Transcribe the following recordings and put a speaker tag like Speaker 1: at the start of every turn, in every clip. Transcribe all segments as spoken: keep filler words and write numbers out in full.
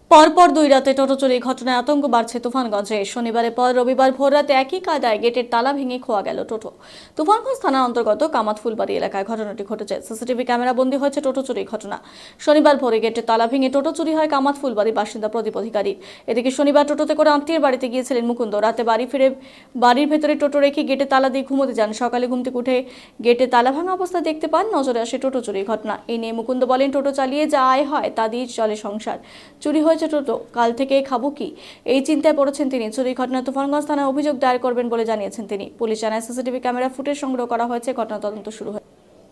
Speaker 1: পরপর দুই রাতে টোটো চুরির ঘটনায় আতঙ্ক বাড়ছে তুফানগঞ্জে। শনিবারের পর রবিবার ভোররাতে একই কায়দায় গেটের তালা ভেঙে খোয়া গেল টোটো। তুফানগঞ্জ থানার অন্তর্গত কামাত ফুলবাড়ি এলাকায় ঘটনাটি ঘটেছে। সিসিটিভি ক্যামেরা বন্দী হয়েছে টোটো চুরির ঘটনা। শনিবার ভোরে গেটের তালা ভেঙে টোটো চুরি হয় কামাত ফুলবাড়ির বাসিন্দা প্রদীপ অধিকারী। এদিকে শনিবার টোটোতে করে আত্মীয়ের বাড়িতে গিয়েছিলেন মুকুন্দ। রাতে বাড়ি ফিরে বাড়ির ভেতরে টোটো রেখে গেটে তালা দিয়ে ঘুমোতে যান। সকালে ঘুম থেকে উঠে গেটে তালা ভাঙা অবস্থায় দেখতে পান। নজরে আসে টোটো চুরির ঘটনা। এই নিয়ে মুকুন্দ বলেন, টোটো চালিয়ে যা আয় হয় তা দিয়ে চলে সংসার। চুরি হয়েছে টোটো, কাল থেকে খাবো কি, এই চিন্তায় পড়েছেন তিনি। চুরির ঘটনায় তুফানগঞ্জ থানায় অভিযোগ দায়ের করবেন বলে জানিয়েছেন তিনি। পুলিশ জানায় সিসিটিভি ক্যামেরা ফুটেজ সংগ্রহ করা হয়েছে। ঘটনা তদন্ত শুরু হয়েছে।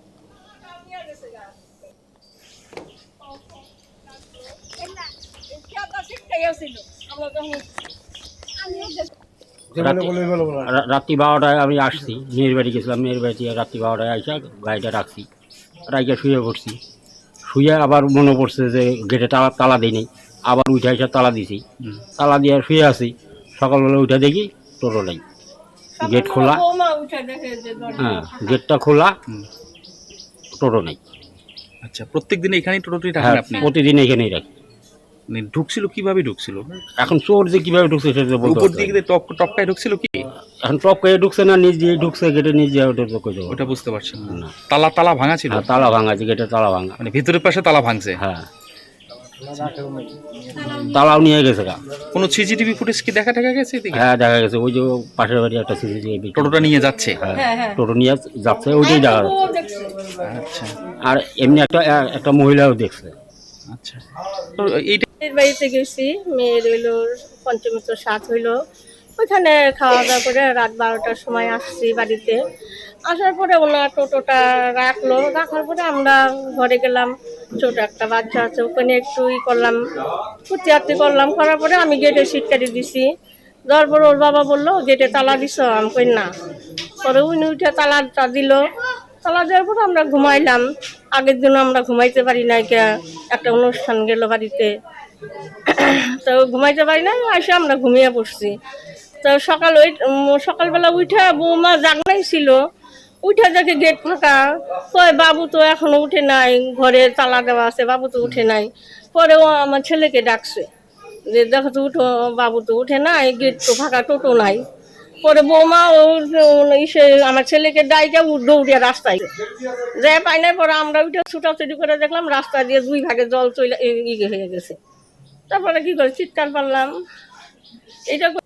Speaker 2: রাত্রি বারোটায় আমি আসছি, মেয়ের বাড়ি গেছিলাম। মেয়ের বাড়ি থেকে রাত্রি বারোটায় আসা গাড়িটা রাখছি, রাইকে শুয়ে পড়ছি। শুয়ে আবার মনে পড়ছে যে গেটে তালা তালা দিই নেই। আবার উঠে এসে তালা দিছি, তালা দিয়ে শুয়ে আছি। সকালবেলা উঠে দেখি টোটো নেই, গেট খোলা। হ্যাঁ, গেটটা খোলা, টোটো নেই।
Speaker 3: আচ্ছা, প্রত্যেক দিন এখানেই টোটোটি
Speaker 2: হ্যাঁ,
Speaker 3: রাখেন আপনি?
Speaker 2: প্রতিদিন এখানেই রাখি।
Speaker 3: মানে ঢুকছিল কিভাবে ঢুকছিল?
Speaker 2: এখন চোর যে কিভাবে ঢুকছে সেটা বলতে
Speaker 3: উপর
Speaker 2: পারছি
Speaker 3: দিকে
Speaker 2: না।
Speaker 3: টপ টপকায় ঢুকছিল কি?
Speaker 2: এখন টপ করে ঢুকছে না, নিজ দিয়ে ঢুকছে, গেটে নিজ দিয়ে ওটা তো কই দেবো।
Speaker 3: ওটা বুঝতে পারছেন না।
Speaker 2: না।
Speaker 3: তালা তালা ভাঙা ছিল?
Speaker 2: হ্যাঁ, তালা ভাঙা আছে, গেটের তালা ভাঙা।
Speaker 3: মানে ভিতরের পাশে তালা ভাঙছে?
Speaker 2: হ্যাঁ, তালাও নিয়ে গেছে গা।
Speaker 3: কোনো সিসিটিভি ফুটেজ কি দেখা দেখা গেছে এদিকে?
Speaker 2: হ্যাঁ, দেখা গেছে। ওই যে পাশের বাড়ি একটা সিসিটিভি
Speaker 3: টোটোটা নিয়ে যাচ্ছে?
Speaker 2: হ্যাঁ, টোটো নিয়ে যাচ্ছে, ওইটাই দেখা যাচ্ছে।
Speaker 3: আচ্ছা
Speaker 2: আর এমনি একটা একটা মহিলাও দেখছে।
Speaker 3: আচ্ছা, তো এইটা
Speaker 4: মেয়ের বাড়িতে গেছি, মেয়ের হইলো পঞ্চমীত সাত হইলো, ওইখানে খাওয়া দাওয়া করে রাত বারোটার সময় আসছি বাড়িতে। আসার পরে ওনার টোটোটা রাখলো, রাখার পরে আমরা ঘরে গেলাম। ছোট একটা বাচ্চা আছে, ওখানে একটু ই করলাম, ফুর্তি আর্তি করলাম। করার পরে আমি গেটে সিটকারি দিছি। দেওয়ার পরে ওর বাবা বললো, গেটে তালা দিছ? আমি কই না। পরে উনি উঠে তালাটা দিল। তালা দেওয়ার পরে আমরা ঘুমাইলাম। আগের দিনও আমরা ঘুমাইতে পারি না, একটা অনুষ্ঠান গেল বাড়িতে, তো ঘুমাইতে পারি না, এসে আমরা ঘুমিয়ে পড়ছি। তো সকাল ওই সকালবেলা উঠে বৌমা জাগনাই ছিল, উঠে দেখে গেট ফাঁকা। কয় বাবু তো এখনো উঠে নাই, ঘরে তালা দেওয়া আছে, বাবু তো উঠে নাই। পরে ও আমার ছেলেকে ডাকছে যে দেখো তো উঠো, বাবু তো উঠে নাই, গেট তো ফাঁকা, টোটো নাই। পরে বৌমা ও ইসে আমার ছেলেকে ডাইকে দৌড়িয়া রাস্তায় যায় পাই নাই। পরে আমরা উঠে ছুটাছুটি করে দেখলাম রাস্তা দিয়ে দুই ভাগে জল চলে ইয়ে হয়ে গেছে। তারপরে কি করে চিৎকার পারলাম, এটা